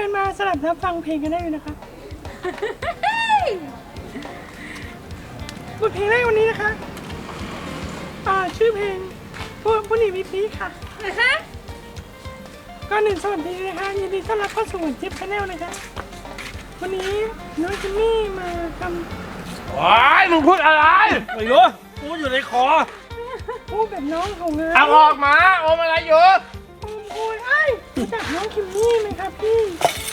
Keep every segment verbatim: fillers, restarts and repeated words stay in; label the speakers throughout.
Speaker 1: มาสลับรับฟังเพลงกันได้เลยนะคะบทเพลงแรกวันนี้นะคะอ่าชื่อเพลงผู้ผู้หนีวิพีค่ะนะคะก็หนึ่งสวัสดีนะคะยินดีต้อนรับเข้าสู่จิ๊บชาแนลนะคะวันนี้น้องจิมมี่มาทำ
Speaker 2: ว้ายมึงพูดอะไรไม่รู้กูอยู่ในคอ
Speaker 1: พูดแบบน้องของงาน
Speaker 2: เอาออกมาอมอะไรอยู่
Speaker 1: โอ้โหไอ้รู้จักน้องคิมมี่ไหมครับพี่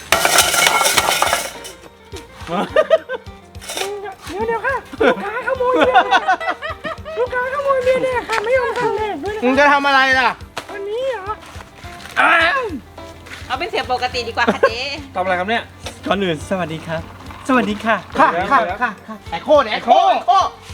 Speaker 1: เดี๋ยวเดี๋ยวค่ะลูกค้าขโมยเบียร์ลูกค้าขโมยเบียร์เนี่ยค่ะไม่ยอมทำแดกด้วยนะ
Speaker 2: มึงจะทำอะไรล่ะ
Speaker 1: วันนี้เหรอ
Speaker 2: อ้าว
Speaker 3: เอาเป็นเสียงปกติดีกว่าค่ะเจ๊
Speaker 2: ทำอะไรครับเนี่ย
Speaker 4: ก่อนอื่นสวัสดีครับ สวัสดีค่ะ
Speaker 2: ค่ะค่ะค่ะไอโคดไอโคไอโค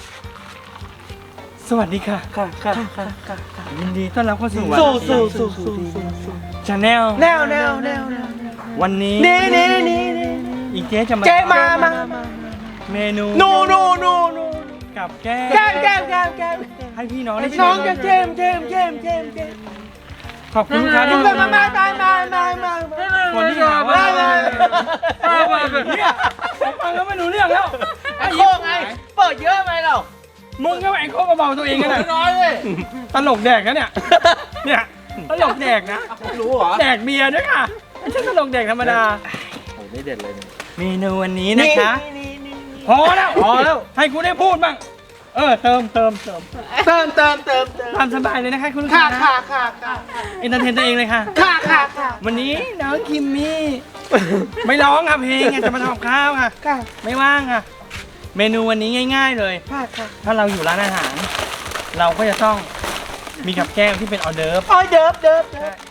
Speaker 4: สวัสดีค่ะ
Speaker 2: ค่ะค่ะค่ะค่ะ
Speaker 4: ยินดีต้อนรับเข้าสู่
Speaker 2: สู้สู้สู้สู้สู้
Speaker 4: ชาแนล
Speaker 2: แนวแนวแนวแนว
Speaker 4: วันนี้
Speaker 2: นี่นี่นี่นี่
Speaker 4: อีเจ๊จะมา
Speaker 2: เจ๊มามามา
Speaker 4: เมนู
Speaker 2: โนโนโนโน
Speaker 4: กับแก้
Speaker 2: แก้มแก้มแก้มแก้ม
Speaker 4: ให้พี่น้องได้
Speaker 2: น้อง
Speaker 4: ชิ
Speaker 2: แก
Speaker 4: ม
Speaker 2: มเจมเจมเจมเจมเจม
Speaker 4: ขอบคุณลูกค้า
Speaker 2: ทุ
Speaker 4: ที่
Speaker 2: กคนมามามามามามา
Speaker 4: คนที่หาว่าเนี่ยฟังแล้วไม่รู้เรื่องแล้ว
Speaker 2: ไอโคไงเปิดเยอะไหมเรา
Speaker 4: มึงก็ไอ้โคกเบาตัวเองกันนะ
Speaker 2: น้อยเลย
Speaker 4: ตลกแดกนะเนี่ยเนี่ยตลกแดกนะ
Speaker 2: รู้เหรอ
Speaker 4: แดกเบียร์ด้วยค่ะไม่ใช่ตลกแดกธรรมดา
Speaker 2: โอ้ไม่เด็ดเลย
Speaker 4: เมนูวันนี้นะคะพอแล้วพอแล้วให้กูได้พูดบ้างเออเติมเติมเติม
Speaker 2: เติมเติมเติมเติม
Speaker 4: ตามสบายเลยนะคะคุณลูก
Speaker 2: ค่ะ
Speaker 4: ค้า
Speaker 2: ค่ะค่ะค่ะ
Speaker 4: เอนเตอร์เทนตัวเองเลยค่ะ
Speaker 2: ค่ะค่ะค่ะ
Speaker 4: วันนี้น้องคิมมี่ไม่ร้องค่ะเพลงจะมาทำกับข้าวค่ะ
Speaker 2: ค่ะ
Speaker 4: ไม่ว่างค่ะ เมนูวันนี้ง่าย ๆเลย
Speaker 2: ค่ะค่ะ
Speaker 4: ถ้าเราอยู่ร้านอาหาร เราก็จะต้องมีกับแก้มที่เป็นออเดิร์ฟ
Speaker 2: โอ้ยเดิบเดิบเดิบ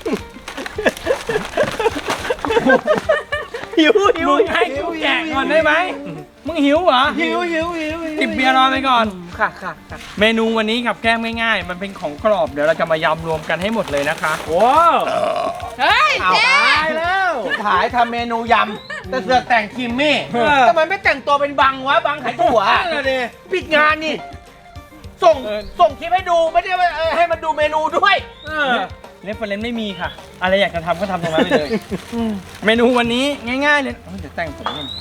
Speaker 2: หิวหิว
Speaker 4: มึงให้กูแกะก่อนได้ไหมมึงหิวเหรอ
Speaker 2: หิวหิวหิว
Speaker 4: จิบเบียร์รอไปก่อน
Speaker 2: ค่ะค่ะค่ะ
Speaker 4: เมนูวันนี้กับแก้มง่ายๆ มันเป็นของกรอบเดี๋ยวเราจะมายำรวมกันให้หมดเลยนะคะ
Speaker 2: ว้าว
Speaker 3: เฮ้ย
Speaker 2: เอา
Speaker 3: เจ๊
Speaker 2: ตายแล้วขายทำเมนูยำแต่เสือกแต่งคิมมี่ทำไมไม่แต่งตัวเป็นบังวะบังขายถั่วปิดงานนี่ส่งส่งคลิปให้ดูไม่ได้ว่าให้มันดูเมนูด้วย
Speaker 4: เรฟเฟอเรนซ์ไม่มีค่ะ อะไรอยากจะทำก็ทำตรงนั้นไปเลย เมนูวันนี้ง่ายๆเลยเอ้ยเดี๋ยวแต่งผมก่อน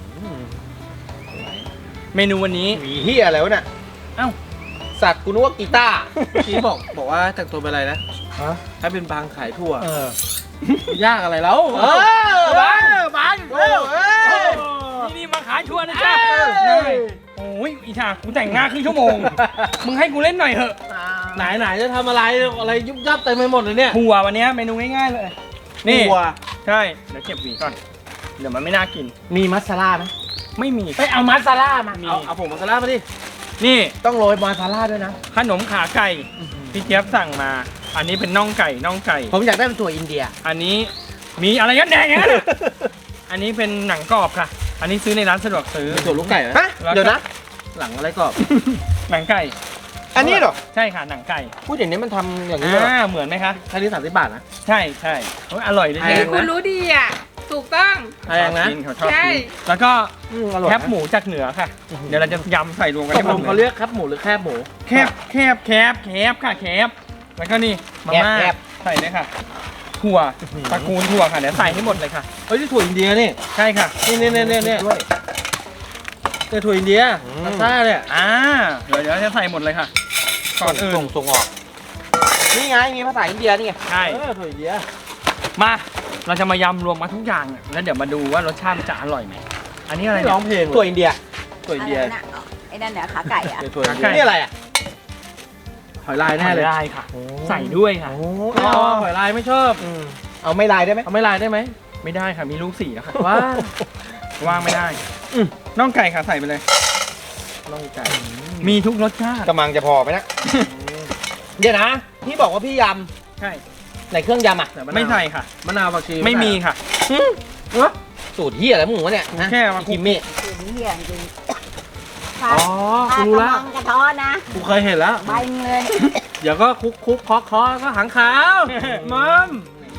Speaker 4: เมนูวันนี้
Speaker 2: หวีเฮียอะไรวะเนี่ย
Speaker 4: เอ้า
Speaker 2: สัตว์กูนึกว่ากีตาร์
Speaker 5: พี่บอกบอกว่าแต่งตัวเป็นอะไรนะ
Speaker 2: ฮะ
Speaker 5: ให้เป็นบางขายทั่ว
Speaker 4: เออ
Speaker 5: ยากอะไรแล้ว
Speaker 2: เออบังบังเร็วเอ้ย
Speaker 4: นี่นี่มาขายชวนนะจ๊ะ
Speaker 2: เอ้ย
Speaker 4: โอ้ยอีชากูแต่งหน้าครึ่งชั่วโมง มึงให้กูเล่นหน่อยเถอะ
Speaker 5: ไหนไหนจะทำอะไรอะไรยุบยับเต็มไปหมดเลยเนี่ย
Speaker 4: ถั่ววันนี้เมนูง่ายๆเลย นี่
Speaker 5: ถั่ว
Speaker 4: ใช่ เดี๋ยวเก็บหวีก่อน เดี๋ยวมันไม่น่ากิน
Speaker 2: มีมัสซาร่าไหม
Speaker 4: ไม่มี
Speaker 2: ไปเอามัสซาร่ามา
Speaker 4: มี
Speaker 5: เอาเอาผงมัสลามาดิ
Speaker 4: นี่
Speaker 2: ต้องโรยมัสซาร่าด้วยนะ
Speaker 4: ขนมขาไก่ พี่เจี๊ยบสั่งมา อันนี้เป็นน่องไก่ น่องไก่
Speaker 2: ผมอยากได้เป็นถั่วอินเดีย
Speaker 4: อันนี้มีอะไรกันแดงเนี่ยอันนี้เป็นหนังกรอบค่ะ อันนี้ซื้อในร้านสะดวกซื้อ
Speaker 5: มีถั่วลูกไก่ไหม
Speaker 2: ฮะ เดี๋ยวนะ
Speaker 5: หลังอะไรกรอบ
Speaker 4: หนังไก่
Speaker 2: อันนี้เหรอ
Speaker 4: ใช่ค่ะ หนังไก่
Speaker 2: พูดอย่างนี้มันทำอย่างนี้เหรอ
Speaker 4: อ่าเหมือนไหมคะ
Speaker 5: แค่นี้สามสิบบาทนะ
Speaker 4: ใช่ใช่โอ้ยอร่อยเลย
Speaker 5: แพ
Speaker 4: เนี่
Speaker 5: ง
Speaker 4: ย
Speaker 5: นะ
Speaker 3: คุณรู้ดีอ่ะ ถูกต้อง
Speaker 5: แพงนะ
Speaker 4: ชอบกิเขาชอบ
Speaker 3: ใช่
Speaker 4: กินแล้วก็
Speaker 2: อืมอร่อย
Speaker 4: แค
Speaker 2: นะ
Speaker 4: บหมูจากเหนือค่ะ เดี๋ยวเราจะยำใส่รวมกัน
Speaker 5: ต
Speaker 4: ให้
Speaker 5: ก
Speaker 4: หม
Speaker 5: ล
Speaker 4: ด
Speaker 5: งเขา
Speaker 4: เลย
Speaker 5: เรียกครับหมูหรือแคบหมู
Speaker 4: แคบแคบแคบแคบค่ะแคบแล้วก็นี่มาม่าใส่เลยค่ะ ถั่วตระกูลถั่วค่ะเดี๋ยวใส่ให้หมดเลยค่ะ
Speaker 5: เฮ้ยนี่ถั่วอินเดียนี่
Speaker 4: ใช่ค่ะ
Speaker 5: นี่นี่นี่นี่นี่
Speaker 2: ด้วย
Speaker 5: นี่ถั่วอินเดีย
Speaker 2: อืม
Speaker 5: พาสต้าเนี่ย
Speaker 4: อ่าเดี๋ยวเดี๋ยวจะใส่หมดเลยค่ะ ก่อนอื่น
Speaker 2: ส่งส่งออก นี่ไง มีภาษาอินเดียนี่ไง
Speaker 4: ใช่
Speaker 5: เออถั่วอินเดีย
Speaker 4: มาเราจะมายำรวมมาทุกอย่างอะแล้วเดี๋ยวมาดูว่ารสชาติมันจะอร่อยไหมอันนี้อะไร
Speaker 5: ไม่
Speaker 4: เนี่ย
Speaker 5: ร้องเพลง
Speaker 2: ถั่วอินเดีย
Speaker 5: ถั่วอินเดีย
Speaker 3: อะไรนะไอ้นั่นเนี่ยขาไก่อ่ะ
Speaker 5: เดี๋ยวถั่วอินเดี
Speaker 4: ไก่
Speaker 5: ย
Speaker 2: นี่อะไรอ่ะ
Speaker 5: หอยลายแน่เลย
Speaker 4: ได้ค่ะ ใส่ด้วยค่ะ
Speaker 2: โอ้
Speaker 5: ไม่เอาอะหอยลายไม่ชอบ
Speaker 2: อืมเอาไม่ลายได้ไหม
Speaker 5: เอาไม่ลายได้ไหม
Speaker 4: ไม่ได้ค่ะมีลูกสี่แล้วค่ะ
Speaker 5: ว้า
Speaker 4: ว่างไม่ได้
Speaker 2: อืม
Speaker 4: น่องไก่ค่ะใส่ไปเลย
Speaker 5: น้องไก่
Speaker 4: มีทุกรสชาติ
Speaker 2: กำลังจะพอไหมนะเดี๋ยวนะ พี่บอกว่าพี่ย
Speaker 4: ใช่
Speaker 2: ำในเครื่องยำอ่ะ
Speaker 5: แต่ะนาว
Speaker 4: ไม่ใส่ค่ะ
Speaker 5: มะนาวผักชี
Speaker 4: ไม่มีค่ะ
Speaker 2: สูตรเฮียอะไรมึงวะเนี่ยฮะ
Speaker 4: แค่มาคลุก
Speaker 2: คิมมี่
Speaker 3: คือเหี้ยจริง
Speaker 5: อ๋อกูรู้ละ
Speaker 3: กระท้อนนะ
Speaker 5: กูเคยเห็นแล้ว
Speaker 3: ใบมึงเลย
Speaker 5: เดี๋ยวก็คุกคุกเคาะเคาะก็หางขาว
Speaker 4: มัม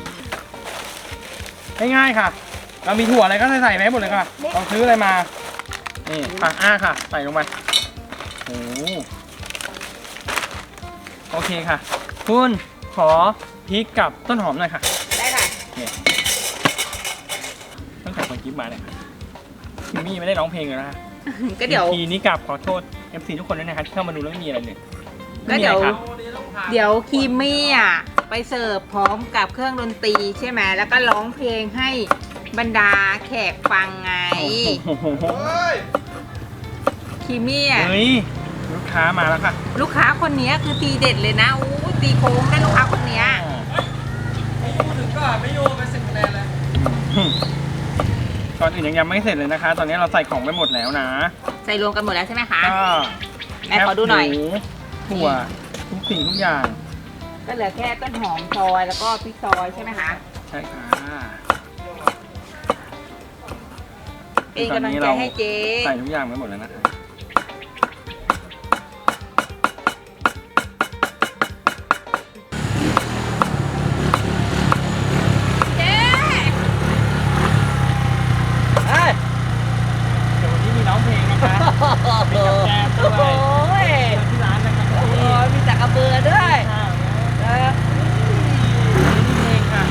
Speaker 4: ง่ายๆค่ะ เรามีถั่วอะไรก็ใส่ใส่ไปให้หมดเลยค่ะเราซื้ออะไรมา นี่ผักอ้าค่ะ ใส่ลงไปโอ้โหโอเคค่ะ คุณขอพริกกับต้นหอมหน่อยค่ะ
Speaker 3: ได้ค่ะ
Speaker 4: คลิปมาเนี่ยคิมมี่ไม่ได้ร้องเพลงเลยนะฮะ
Speaker 3: ก็เดี๋ยว
Speaker 4: ทีนี้กลับขอโทษ เอฟ ซี ทุกคนด้วยนะครับที่เข้ามาดูแล้วไม่มีอะไรเลย
Speaker 3: ก็เดี๋ยว
Speaker 4: ไม่มีอะไรครับ
Speaker 3: เดี๋ยวคีมมี่อ่ะไปเสิร์ฟพร้อมกับเครื่องดนตรีใช่ไหมแล้วก็ร้องเพลงให้บรรดาแขกฟังไง
Speaker 4: โอ้โห
Speaker 3: คีมมี่อ่ะ
Speaker 4: เฮ้ยลูกค้ามาแล้วค่ะ
Speaker 3: ลูกค้าคนนี้คือตีเด็ดเลยนะอู้ตีโค้งได้ลูกค้าคนนี้
Speaker 5: ถึงก็ไม่โยนไปสิบคะแนนเลย
Speaker 4: ก่อนอื่นยังยังไม่เสร็จเลยนะคะ ตอนนี้เราใส่ของไปหมดแล้วนะ
Speaker 3: ใส่รวมกันหมดแล้วใช่ไหมคะ
Speaker 4: ก็
Speaker 3: แม่ขอดูหน่อย
Speaker 4: แคบหมูถั่วทุกสิ่งทุกอย่าง
Speaker 3: ก็เหลือแค่ต้นหอมซอยแล้วก็พริกซอยใช่ไหมคะ
Speaker 4: ใช่ค่ะ
Speaker 3: เป็นกำลังใจให้เจ๊
Speaker 4: ใส่ทุกอย่างไปหมดแล้วนะคะ
Speaker 3: เจ๊
Speaker 5: เฮ้ย
Speaker 4: เดี๋ยววันนี้มีร้องเพลงนะคะมีกับแกมด้
Speaker 3: โอ้
Speaker 4: วย
Speaker 3: ย
Speaker 4: ที่ร้านนะครับ
Speaker 3: โอ้ยมีจักรเบือด้วยเออ
Speaker 4: เพลงค่ะ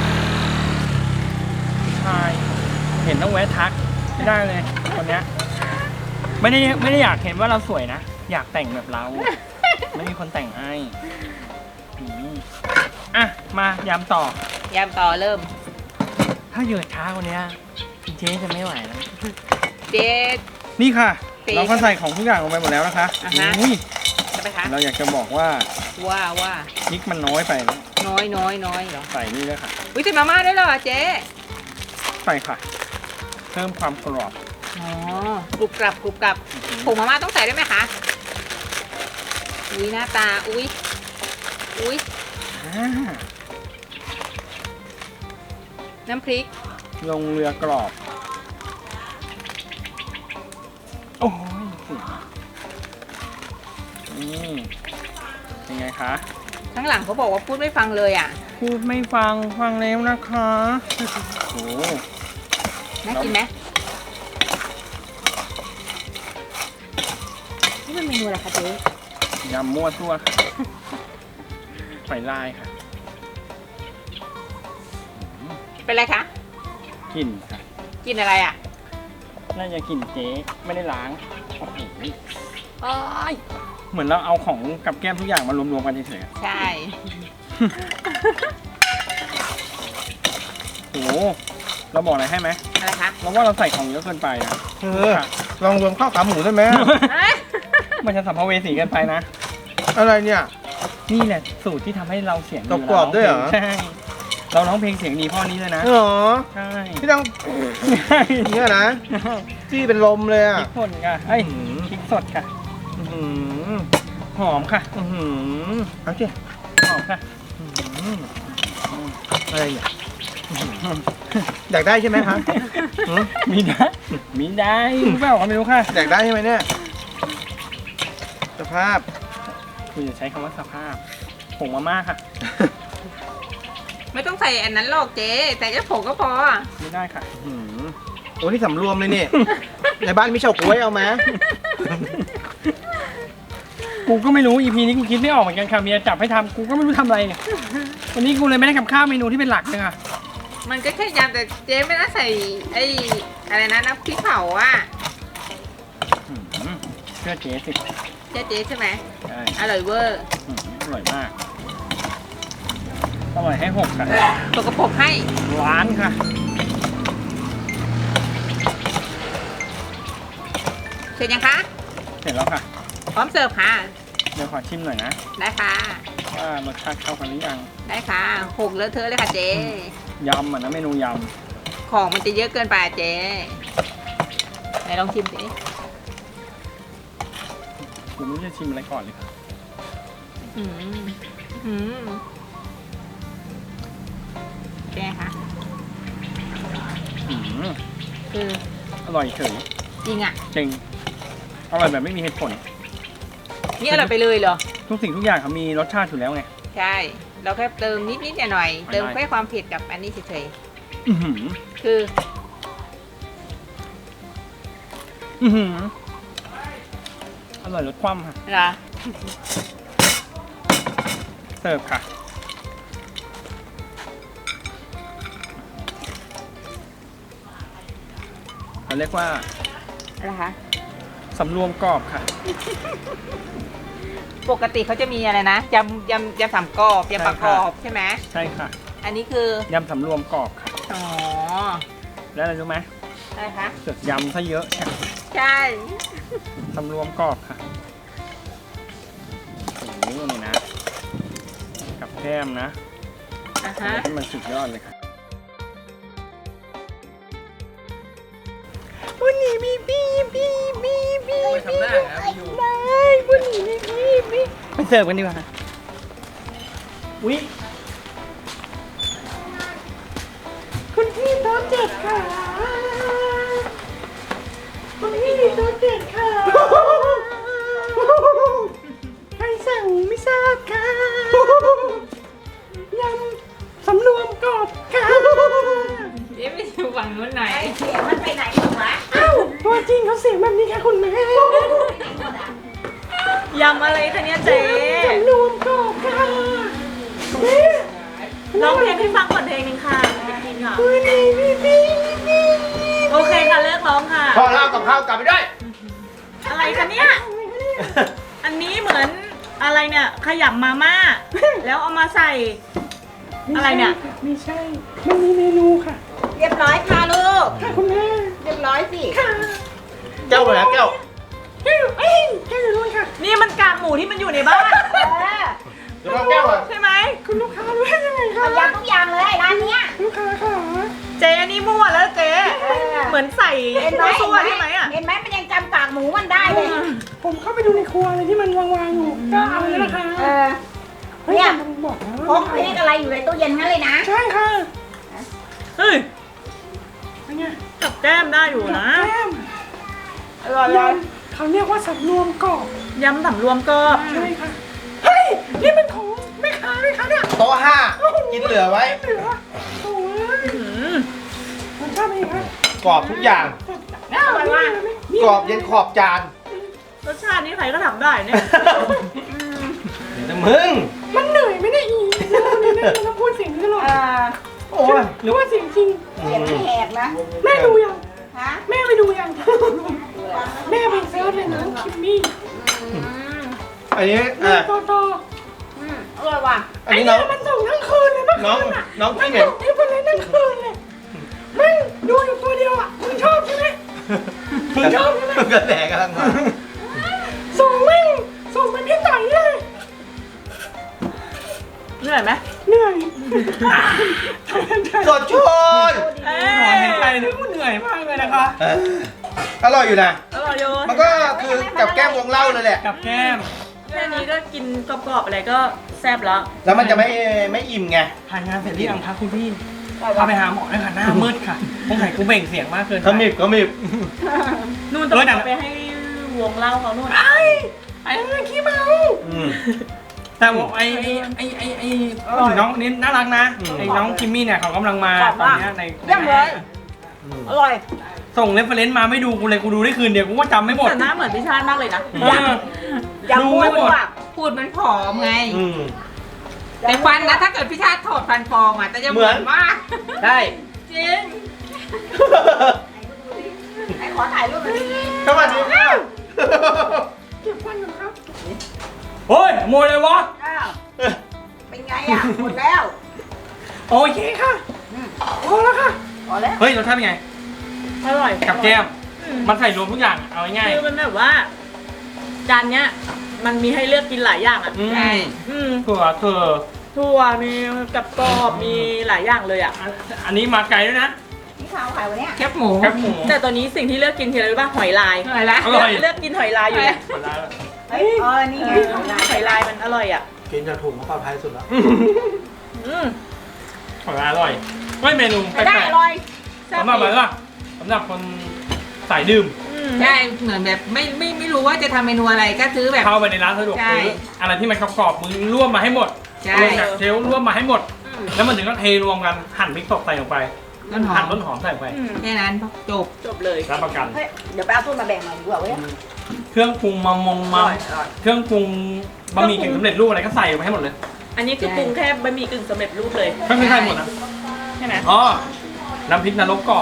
Speaker 4: ชายเห็นต้องแวะทักไม่ได้เลยคนเนี้ยไม่ได้ไม่ได้อยากเห็นว่าเราสวยนะ อยากแต่งแบบเรา ไม่มีคนแต่งให้อืมอ่ะ มายำต่อ
Speaker 3: ยำต่อเริ่ม
Speaker 4: ถ้าเยอะช้ากว่านี้เจ๊จะไม่ไหวแล้ว
Speaker 3: เจ๊
Speaker 4: นี่ค่ะ
Speaker 3: เจ๊
Speaker 4: เราก็ใส่ของทุกอย่างลงไปหมดแล้วนะคะ
Speaker 3: อ่าฮะ
Speaker 4: อุ้ย
Speaker 3: จะไปคะ
Speaker 4: เราอยากจะบอกว่า
Speaker 3: ว่าว่า
Speaker 4: พริกมันน้อยไปนะ
Speaker 3: น้อยน้อยน้อยเหรอ
Speaker 4: ใส่นี่ด้วยค่ะ
Speaker 3: อุ้ยใส่มาม่าด้วยเหรอเจ๊
Speaker 4: ใส่ค่ะ เพิ่มความกรอบ
Speaker 3: อ๋อกรุบกรับกรุบกรับผงมาม่าต้องใส่ด้วยไหมคะอุ้ยหน้าตาอุ้ยอุ้ย
Speaker 4: อ่า
Speaker 3: น้ำพริก
Speaker 4: ลงเรือกรอบ โอ้ยเสียนี่เป็นไงคะ
Speaker 3: ข้างหลังเขาบอกว่าพูดไม่ฟังเลยอ่ะ
Speaker 4: พูดไม่ฟังฟังแล้วนะคะโอ้
Speaker 3: น่ากินไหมนี่มันเมนูอะไรคะเจ๊
Speaker 4: ยำมั่วตัวค่ะไฟลายค่ะ
Speaker 3: เป็นไรคะ
Speaker 4: กลิ่นค่ะ
Speaker 3: กินอะไรอ่ะ
Speaker 4: น่าจะกลิ่นเจ๊ไม่ได้ล้างโอ้โห
Speaker 3: โอ้ย
Speaker 4: เหมือนเราเอาของกับแก้มทุกอย่างมารวมๆกันเฉยๆอะ
Speaker 3: ใช่
Speaker 4: โอ้โหเราบอกอะไรให้ไหม
Speaker 3: อะไรคะ
Speaker 4: เราว่าเราใส่ของเยอะเกินไปนะ
Speaker 2: เออลองรวมข้าวขาหมูได้ไหม
Speaker 4: มันจะสัมภเวสีเกินไปนะ
Speaker 2: อะไรเนี่ย
Speaker 4: นี่แหละสูตรที่ทำให้เราเสียงดี
Speaker 2: กรอบๆด้วยเหรอ
Speaker 4: ใช่ เราร้องเพลงเสียงดีเพ่อนี้เลยนะ
Speaker 2: เหรอ
Speaker 4: ใช่
Speaker 2: พี่ต้องเนี่ยนะจี้เป็นลมเลย
Speaker 4: พ
Speaker 2: อ่ะ
Speaker 4: ริกป่นค่ะเอ้ย
Speaker 2: อื้อหือ
Speaker 4: พริกสดค่ะ
Speaker 2: อื้อหือ
Speaker 4: หอมค่ะ
Speaker 2: อื้อหือเอาสิ
Speaker 4: หอมค่ะ
Speaker 2: อื้อหืออะไรเนี่ยอื้อหืออยากได้ใช่ไหมคะหือ
Speaker 4: มีได้มีได้รู้เปล่าก็ไม่รู้ค่ะ
Speaker 2: อยากได้ใช่ไหมเนี่ยสภาพ
Speaker 4: คุณจะใช้คำว่าสภาพผงมาม่าค่ะ
Speaker 3: ไม่ต้องใส่อันนั้นหรอกเจ๊แต่แค่ผงก็พอ
Speaker 4: ไม่ได้ค่ะ
Speaker 2: อื้อหือโอ้นี่สำรวมเลยนี่ ในบ้านมีเฉาก๊วยเอาไหม
Speaker 4: กูก็ไม่รู้ อี พี นี้กูคิดไม่ออกเหมือนกันค่ะเมียจับให้ทำกูก็ไม่รู้ทำอะไรเนี่ยวันนี้กูเลยไม่ได้กับข้าวเมนูที่เป็นหลักเลยค่ะ
Speaker 3: มันก็แค่ยำแต่เจ๊ไม่น่าใส่ไอ้อะไรนะน้ำพริกเผาอ่ะ
Speaker 4: อื้อหือเชื่อเจ๊สิ
Speaker 3: เจ๊เจ๊ใช่ไหม
Speaker 4: ใช่
Speaker 3: อร่อยเวอร์
Speaker 4: อื้อหืออร่อยมากอร่อยให้หกค่ะ
Speaker 3: ตกกระปรกให้
Speaker 4: ร้านค่ะ
Speaker 3: เสร็จยังคะ
Speaker 4: เสร็จแล้วค่ะ
Speaker 3: พร้อมเสิร์ฟค่ะ
Speaker 4: เดี๋ยวขอชิมหน่อยนะ
Speaker 3: ได้ค่ะ
Speaker 4: ว่ารสชาติเข้ากันหรือยัง
Speaker 3: ได้ค่ะหกเลอะเทอะเลยค่ะเจ๊
Speaker 4: ยำอ่ะนะเมนูย
Speaker 3: ของมันจะเยอะเกินไปอะเจ๊ไหนลองชิมสิ
Speaker 4: ำผมไม่รู้จะชิมอะไรก่อนเลยค่ะ
Speaker 3: อืมอืมเป็นไงคะ
Speaker 4: อื้อหือ
Speaker 3: คือ
Speaker 4: อร่อยเฉย
Speaker 3: จริงอ่ะ
Speaker 4: จริงอร่อยแบบไม่มีเหตุผล
Speaker 3: นี่อร่อยไปเลยเหรอ
Speaker 4: ทุกสิ่งทุกอย่างเขามีรสชาติอยู่แล้วไง
Speaker 3: ใช่ เราแค่เติมนิดนิดหน่อยหน่อยๆ
Speaker 4: ไม่ได้
Speaker 3: เติมแค่ความเผ็ดกับอันนี้เฉย
Speaker 4: อือหือ
Speaker 3: ๆคือ
Speaker 4: อือหืออร่อยรสคว่ำค่ะ
Speaker 3: เหรอ
Speaker 4: เสิร์ฟค่ะมันเรียกว่า
Speaker 3: อะไรคะ
Speaker 4: สำรวมกรอบค่ะ
Speaker 3: ปกติเขาจะมีอะไรนะยำยำยำสามกรอบยำปลากรอบใช่ไหม
Speaker 4: ใช่ค่ะ
Speaker 3: อันนี้คือย
Speaker 4: ำสำรวมกรอบค่ะ
Speaker 3: อ๋อ
Speaker 4: แล้วอะไรรู้ไหม
Speaker 3: อะไรคะ
Speaker 4: เสือกยำซะเยอะค่ะ
Speaker 3: ใช่
Speaker 4: สำรวมกรอบค่ะโอ้โหนี่นะ กับแก้มนะ
Speaker 3: อ่ะฮะ
Speaker 4: ที่มันสุดยอดเลยค่ะ
Speaker 1: วันนี้มีพี่พี่พี่พี่
Speaker 2: ไปทำหน้าครับอยู่
Speaker 1: ได้วันนี้มีพี่พี่
Speaker 4: ไปเสิร์ฟกันดีกว่า อุ้ย
Speaker 1: คุณพี่โต๊ะเจ็ดค่ะคุณพี่โต๊ะเจ็ดค่ะใครสั่งไม่ทราบค่ะยำสำรวมกรอบค่ะ
Speaker 3: เอ๊ะไปดูฝั่งนู้นหน่อย
Speaker 6: เสียงมันไปไหนหมดวะ
Speaker 1: อ้าวตัวจริงเขาเสียงแบบนี้ค่ะคุณแม่
Speaker 6: ยำอะไรคะเนี่ยเจ๊
Speaker 1: สำรวมกรอบค่ะแม่
Speaker 6: ร้องเพลงให้ฟังก่อนเพลงหนึงค่ะไปกินค่ะ
Speaker 1: วันนี้มีพี่พี่
Speaker 6: โอเคค่ะเลิกร้องค่ะ
Speaker 2: พอเล่ากับข้าวกลับไปด้วย
Speaker 6: อะไรคะเนี่ย อันนี้เหมือนอะไรเนี่ยขยำมาม่า แล้วเอามาใส่ อะไรเนี่ย
Speaker 1: ไม่ใช่ มันมีเมนูค่ะ
Speaker 6: เรียบร้อยค่ะลูก
Speaker 1: ค่ะคุณแม่
Speaker 6: เรียบร้อยสิ
Speaker 1: ค่ะ
Speaker 2: แก้วไปแล้วแก้ว
Speaker 1: แก้วเอ้ยแก้วอยู่นู่นค่ะ
Speaker 6: นี่มันกากหมูที่มันอยู่ในบ้าน
Speaker 2: เดี๋ยวเราแก้วอ่ะ
Speaker 6: ใช่ไหม
Speaker 1: คุณลูกค้ารู้ได้ยังไงคะ
Speaker 6: เอายำทุกอย่างเลยร้านเนี้ย
Speaker 1: ลูกค้าค่ะ
Speaker 6: เจ๊นี่มั่วแล้วเจ๊เออเหมือนใส่ เห็นไหมตัวซั่วใช่ไหมอ่ะเห็นไหมมันยังจำกากหมูมันได้เลย
Speaker 1: ผมเข้าไปดูในครัวอะไรที่มันวางๆอยู่ก็เอาแล้วนะคะ
Speaker 6: เออ
Speaker 1: เฮ้ย
Speaker 6: เนี่ย
Speaker 1: มันบอกนะ
Speaker 6: พกเพกอะไรอยู่ในตู้เย็นงั้นเลยนะ
Speaker 1: ใช่ค่ะ
Speaker 6: เฮ้ย
Speaker 1: เป็นไง
Speaker 6: กับแก้มได้อยู่นะ
Speaker 1: แก้ม
Speaker 6: อร่อย
Speaker 1: ยำเขาเรียกว่าสำรวมกรอบ
Speaker 6: ยำสำรวมกรอบ
Speaker 1: ใช่ค่ะเฮ้ยนี่มันของแม่ค้าไหมคะเนี่ย
Speaker 2: โต๊ะห้ากินเหลือไว้
Speaker 1: เหลือโอ้ย
Speaker 6: อืม
Speaker 1: มันชอบไหมคะ
Speaker 2: กรอบทุกอย่าง
Speaker 6: อร่อยว่ะ
Speaker 2: กรอบเย็นขอบจาน
Speaker 6: รสชาตินี้ใครก็ทำได้เนี่ย
Speaker 2: เดี๋ยวนะมึง
Speaker 1: มันเหนื่อยไหมเนี่ยอีเราเนี่ยนะเราพูดเสียงนี้ตลอด
Speaker 6: อ่า
Speaker 2: โอ้ย
Speaker 1: หรือว่าเสียงจริง
Speaker 6: เสียงมันแหบนะ
Speaker 1: แม่ดูยัง
Speaker 6: ฮะ
Speaker 1: แม่ไปดูยัง แม่ไปเซิร์ชเลยนะคิมมี่
Speaker 6: อืม
Speaker 2: อันนี้
Speaker 1: แม่
Speaker 2: อ่ะ
Speaker 1: ต่อต่อ
Speaker 6: อืมอร่อยว่ะ
Speaker 2: อันนี้น้อง
Speaker 1: มันส่งทั้งคืนเลยเมื่อ
Speaker 2: น้อง
Speaker 1: คืนอ่ะ
Speaker 2: น้อง
Speaker 1: มัน
Speaker 2: พี่เหม็น
Speaker 1: ส่งที่คนเลยทั้งคืนเลยแม่งดูอยู่ตัวเดียวอ่ะมึงชอบใช่ไหม มึงชอบใช่ไหม
Speaker 2: กระแดกกำลังมา
Speaker 1: ส่งแม่งส่งไปพี่ต่อยเลย
Speaker 6: เหนื่อยไหม
Speaker 1: เหนื่อย
Speaker 2: สดชื่น
Speaker 6: เอ้
Speaker 4: หมอนเห็นใจนึกว่าเหนื่อยมากเลยนะคะ
Speaker 2: เอออร่อยอยู่นะ
Speaker 6: อร่อยอยู่
Speaker 2: มันก็คือกับแก้มวงเล่าเลยแหละ
Speaker 4: กับแก้ม
Speaker 6: แค่นี้ก็กินกรอบๆอะไรก็แซ่บแล้ว
Speaker 2: แล้วมันจะไม่ไม่อิ่มไง
Speaker 4: ทานงานเสร็จหรือยังคะคุณพี่พาไปหาหมอด้วยค่ะหน้ามืดค่ะคงไข่กูเบ่งเสียงมากเกินไป
Speaker 2: ขมิบขมิบ
Speaker 6: นู่นต้อง
Speaker 4: เออแต่
Speaker 6: เอาไปให้วงเล่าเขานู่น
Speaker 1: ไอ้ไอ้เรื่องขี้เมา
Speaker 2: อืม
Speaker 4: แต่บอกไอ้ไอ้ไอ้ไอ้ไอ้น้องนี่น่ารักนะ
Speaker 2: อืม
Speaker 4: ไอ้น้องคิมมี่เนี่ยเขากำลังมา
Speaker 6: ขอบ
Speaker 4: ตอน
Speaker 6: มาก
Speaker 4: เนี้ยใน
Speaker 6: เยี่ยมเลย
Speaker 2: อืม
Speaker 6: อร่อย
Speaker 4: ส่งเรฟเฟรนซ์มาไม่ดูกูเลยกูดูได้คืนเดียวกูก็จำไม่หมด
Speaker 6: แต่หน้าเหมือนพี่ชาติมากเลยนะ
Speaker 4: เออ
Speaker 6: อยาก
Speaker 4: ดู
Speaker 6: พู
Speaker 4: ไม่
Speaker 6: ด
Speaker 4: หมด
Speaker 6: ว่า
Speaker 3: พูดมันผอมไง
Speaker 2: อืม
Speaker 3: แต่ฟันนะถ้าเกิดพี่ชาติถอดฟันปลอมอ่ะแต่จะเหมือน
Speaker 2: เหมือน
Speaker 3: มาก
Speaker 2: ใช่
Speaker 6: จริงไอ้ขอถ่ายรูปหน่อยดิ
Speaker 2: สวัสดีครับ
Speaker 1: เก็บฟันก่อนครับ
Speaker 4: เฮ้ยโมยเลยวะ
Speaker 6: อ้าวเป็นไงอ่ะหมดแล้ว
Speaker 4: โอเคค่ะ
Speaker 1: พอแล้วค่ะ
Speaker 6: พอแล้ว
Speaker 4: เฮ้ยรสชาติเป็นไง
Speaker 6: อร่อย
Speaker 4: กับแก้ม
Speaker 6: อืม
Speaker 4: มันใส่รวมทุกอย่างเอาง่าย
Speaker 6: คือมันแบบว่า จานเนี้ย มันมีให้เลือกกินหลายอย่างอ่ะ
Speaker 4: ๆอืม
Speaker 3: ใช่
Speaker 6: อืม
Speaker 4: ถั่วเธอ
Speaker 6: ถั่วมีกับกรอบมีหลายอย่างเลยอ่ะ
Speaker 4: อันอันนี้มาไกลด้วยนะ
Speaker 6: นี่ข้าวขายวันเนี้ย
Speaker 3: แคบหมู
Speaker 4: แคบหมู
Speaker 6: แต่ตัวนี้สิ่งที่เลือกกินคืออะไรรู้ป่ะหอยลาย
Speaker 3: อร่อยละ
Speaker 4: อร่อย
Speaker 6: เลือกกินหอยลายอยู่เนี่ย
Speaker 4: หมดแล้ว
Speaker 6: เฮ้ยอ๋อนี่ไงหอยลายหอยลายมันอร่อยอ่ะ
Speaker 5: กินจากถุงก็ปลอดภัยสุดแล้ว
Speaker 6: อืม
Speaker 4: อร่อยอร่อยเฮ้ยเมนูแป
Speaker 6: ใช้ได้
Speaker 4: ลก
Speaker 6: อร่อย
Speaker 4: ๆสำหรับอะไรล่ะสำหรับคนสายดื่ม
Speaker 6: อืม
Speaker 3: ใช่เหมือนแบบไม่ไม่ไม่รู้ว่าจะทำเมนูอะไรก็ซื้อแบบ
Speaker 4: เข้าไปในร้านสะดวก
Speaker 3: ใช่
Speaker 4: ซื้ออะไรที่มันกรอบๆมึงร่วมมาให้หมด
Speaker 3: ใช่
Speaker 4: ลงจากเชลฟ์ร่วมมาให้หมด แล้วมันถึงก็เทรวมกันหั่นพริกสดใส่ลงไป
Speaker 3: ต้นหอ
Speaker 4: หั่น
Speaker 3: ม
Speaker 4: ต้นหอมใส่ลงไป
Speaker 6: อืม
Speaker 3: แค่นั้นจบ
Speaker 6: จบเลย
Speaker 4: รับประกัน
Speaker 6: เฮ้ยเดี๋ยวไปเอาตู้มาแบ่งหน่อยดีกว่าเว้ย
Speaker 4: เครื่องปรุงมามง
Speaker 6: อ
Speaker 4: มา
Speaker 6: ร่อยอร่อย
Speaker 4: เครื่องปรุงบะหมี่กึ่งสำเร็จรูปอะไรก็ใส่ไปให้หมดเลย
Speaker 6: อันนี้คือปรุงแค่บะหมี่กึ่งสำเร็จรูปเลย
Speaker 4: ไม่ไม่ใช่หมดนะ
Speaker 6: ใช่ไหม
Speaker 4: อ๋อน้ำพริกนรกกรอบ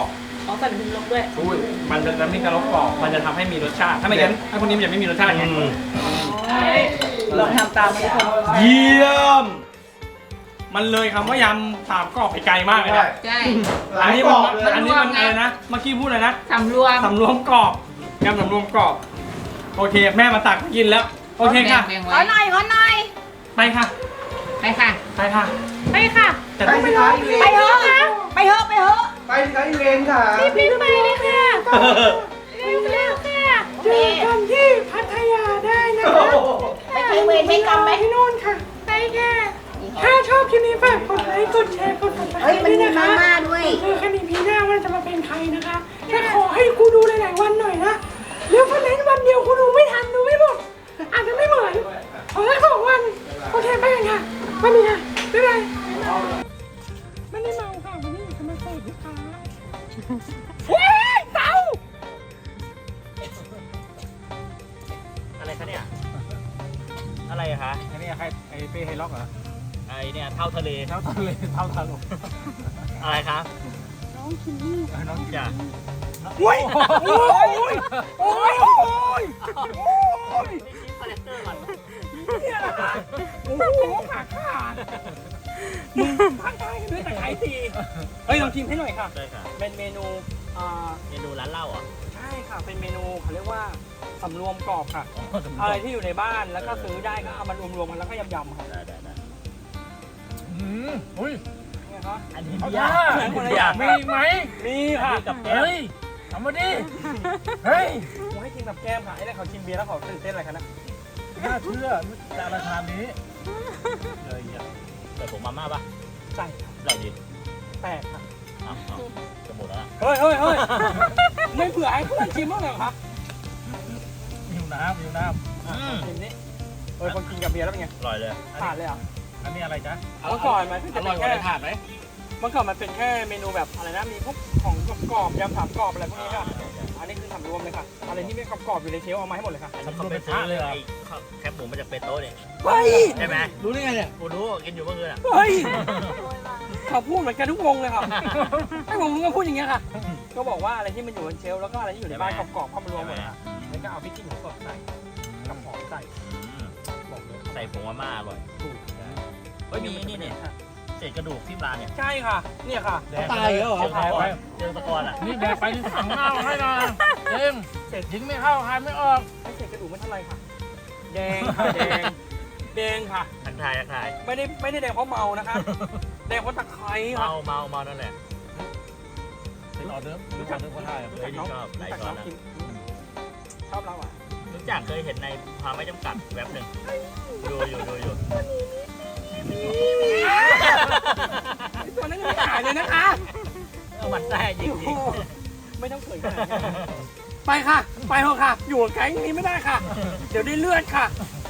Speaker 6: อ๋อใส่น้ำพริกลงด้วย
Speaker 4: อุ้ยมันจะน้ำพริกกะลกกรอบมันจะทำให้มีรสชาติ ถ้าไม่งั้นไอ้พวกนี้มันจะไม่มีรสชาติไง
Speaker 6: ลองทำตามทุกคน
Speaker 4: เยี่ยม มันเลยคำว่ายำสามกรอบไปไกลมากเลยนะ
Speaker 3: ใช่
Speaker 2: หลา
Speaker 4: อัน
Speaker 2: ย
Speaker 4: นี้
Speaker 2: กร
Speaker 4: มัน
Speaker 2: อบเลย
Speaker 4: อันนี้มันอะไรนะ เมื่อกี้พูดอะไรนะ
Speaker 3: สำรวม
Speaker 4: สำรวมกรอบยำสำรวมกรอบ โอเค แม่มาตักกินแล้ว โอเคค่ะ
Speaker 3: แบ่ง
Speaker 6: ข
Speaker 3: ไว้
Speaker 6: อหน่อยขอหน่อย
Speaker 4: ไปค่ะ
Speaker 3: ไปค่ะ
Speaker 4: ไปค่ะ
Speaker 6: ไปค่ะ
Speaker 4: จะ
Speaker 2: ไป
Speaker 4: ต้อง
Speaker 2: สิคะอีเว
Speaker 6: ไป
Speaker 2: น
Speaker 6: เถอะไปเถอะไปเถอะ
Speaker 2: ไปสิคะอีเวนค่ะ
Speaker 6: รีบๆไปเลยค่ะเร็วๆค่ะ
Speaker 1: เจอกันที่พัทยาได้นะคะ
Speaker 6: ไปเทเวรไม่กรรมไหม
Speaker 1: ที่นู่นค่ะ ไปค่ะ ถ้าชอบคลิปนี้ฝากกดไลค์ กดแชร์ กดติดตาม
Speaker 6: เฮ้ยมัน
Speaker 1: ด้วย
Speaker 6: มี
Speaker 1: นะคะ
Speaker 6: มาม่าด้วย
Speaker 1: เจอกันอีพีหน้าว่าจะมาเป็นใครนะคะแต่ขอให้กูดูหลายๆวันหน่อยนะแล้ววันไหนวันเดียวกูดูไม่ทันดูไม่หมด อาจจะไม่เหมือนขอแค่สองวัน โอเคไปกันค่ะวันนี้ค่ะบ๊ายบายไม่ได้เมาค่ะวันนี้อยู่จะมาเสิร์ฟลูกค้าเฮ้ยเต่า
Speaker 7: อะไรคะเนี่ย อะไรอะคะ
Speaker 5: อันนี้ใครไอ้เป้ไฮล็อกเหรอ
Speaker 7: ไอเนี่ยเท่าทะเล
Speaker 5: เท่าทะเลเท่าทะลง
Speaker 7: อะไรคะ
Speaker 1: น้องคิมมี่
Speaker 5: น้อง
Speaker 7: จ้ะ
Speaker 1: โอ้ยโอ้ยโอ้ยโอ้ยโอ้ย
Speaker 7: คาแรคเตอร์ก่อน
Speaker 1: เนี่ยแหละค่ะโอ้โหขาขาดมึงทักทายกันด้วยแต่ไข่ตี
Speaker 4: เฮ้ยลองชิมให้หน่อยค่ะ
Speaker 7: ได้ค่ะ
Speaker 4: เป็นเมนูอ่า
Speaker 7: เมนูร้านเหล้าเหรอ่ะ
Speaker 4: ใช่ค่ะ เป็นเมนูเขาเรียกว่าสำรวมกรอบค่ะ อะไรที่อยู่ในบ้านแล้วก็ซื้อได้ก็เอามารวมๆกันแล้วก็ยำๆค่ะ
Speaker 7: ได้ได้ได้
Speaker 5: อืมอุ้ย
Speaker 4: เนี่ยครับ
Speaker 7: อันนี้
Speaker 5: เอา
Speaker 7: ยา
Speaker 5: ท่าก
Speaker 7: อันนี้ยาก
Speaker 5: มีไหม
Speaker 4: มีค่ะ
Speaker 7: กับแก้ว
Speaker 5: เฮ้ยทำมาดิเฮ้ย
Speaker 4: ผมให้กินกับแก้มค่ะไอ้เนี่ยเขาชิมเบียร์แล้วเขาตื่นเต้นอะไรกันนะ
Speaker 5: น่าเชื่อจะราคานี้
Speaker 7: เลยอ่ะเปิดผมมาม่าปะ
Speaker 4: ใช่ครับ
Speaker 7: อร่อยดี
Speaker 4: แปดค่ะ
Speaker 7: เอ้าเอ้าจะหมดแล้วอะ
Speaker 4: เฮ้ยเฮ้ยเฮ้ยไม่เผื่อให้เพื่อนชิมบ้างเหรอครับ
Speaker 5: หิวน้ำหิวน้
Speaker 7: อืม
Speaker 4: ชิมนี่เฮ้ยคนกินกับเบียร์แล้วเป็นไง
Speaker 7: อร่อยเลย
Speaker 4: ผ่านเลยเหรอ่ะ
Speaker 5: ำอันนี้อะไรจ๊ะ
Speaker 4: เมื่อก่อนมันเพิ่ง
Speaker 5: อ
Speaker 4: จะ
Speaker 5: ร่
Speaker 4: เป็
Speaker 5: อย
Speaker 4: น
Speaker 5: กว่า
Speaker 4: แค่
Speaker 5: ในถาดไหม
Speaker 4: เมื่อก่อนมันเป็นแค่เมนูแบบอะไรนะมีพวกของกรอบๆยำสามกรอบอะไรพวกนี้ค่ะอันนี้คือสำรวมเลยค่ะอะไรที่ไม่กรอบๆอยู่ในเชลฟ์เอามาให้หมดเลยค่ะ
Speaker 7: อันนี้เขาไปซื้อไอ้ข้าวแคบหมูมาจากเปโต้เนี่ย
Speaker 4: เฮ้ย
Speaker 7: ใช่ไหม
Speaker 5: รู้ได้ไงเนี่ย
Speaker 7: กูรู้กินอยู่เมื่อคืนอ่ะ
Speaker 4: เฮ้ยเขาพูดเหมือนกันทุกวงเลยค่ะไอ้วงมึงก็พูดอย่างเงี้ยค่ะ ก็บอกว่าอะไรที่มันอยู่บนเชลฟ์แล้วก็อะไรที่อยู่ในบ้านกรอบๆเข้ามารวมหมดเลยค่ะแล้วก็เอาพริกขี้หนูสดใส่กับหอมใส่
Speaker 7: อืม
Speaker 4: บอกเลย
Speaker 7: ใส่ผงมาม่าอร่อยเฮ้ยมีนี่เนี่ยเศษกระดูกที่ร้านเนี่ย
Speaker 4: ใช่ค่ะ เนี่ยค่ะ
Speaker 5: ตายแล้วเหรอ
Speaker 7: เจอตะกอนเจอตะกอนอ่ะ
Speaker 5: นี่แบกไปที่ถังเน่าให้นะเอ็มเสร็จยิงไม่เข้าคายไม่ออก
Speaker 4: ไม่เศษกระดูกไม่เท่าไรค่ะ แดงค่ะแดงแดงค่ะ
Speaker 7: ทักทายทักทาย
Speaker 4: ไม่ได้ไม่ได้แดงเพราะเมานะคะ แดงเพราะตะไคร้ค่ะ
Speaker 7: เมาเมาเมานั่นแหละ
Speaker 5: เป็นออเดิร์ฟรู้จักเดิร์ฟก็ได้อะ
Speaker 7: เฮ้ยนี่ชอบหลาย
Speaker 4: รู้จัก
Speaker 7: ช้อน
Speaker 4: น้อง
Speaker 7: แล้ว
Speaker 4: กินชอบเราอ่ะ
Speaker 7: รู้จักเคยเห็นในความไม่จำกัดแว็บหนึ่งดูอยู่ดูอยู่
Speaker 4: ตัวนั้นยังไม่หายเลยนะคะ
Speaker 7: เอามันแท้จริงจริง
Speaker 4: ไม่ต้องเขินขนาดนั้นไปค่ะ ไปเถอะค่ะ อยู่กับแก๊งนี้ไม่ได้ค่ะ เดี๋ยวได้เลือดค่ะ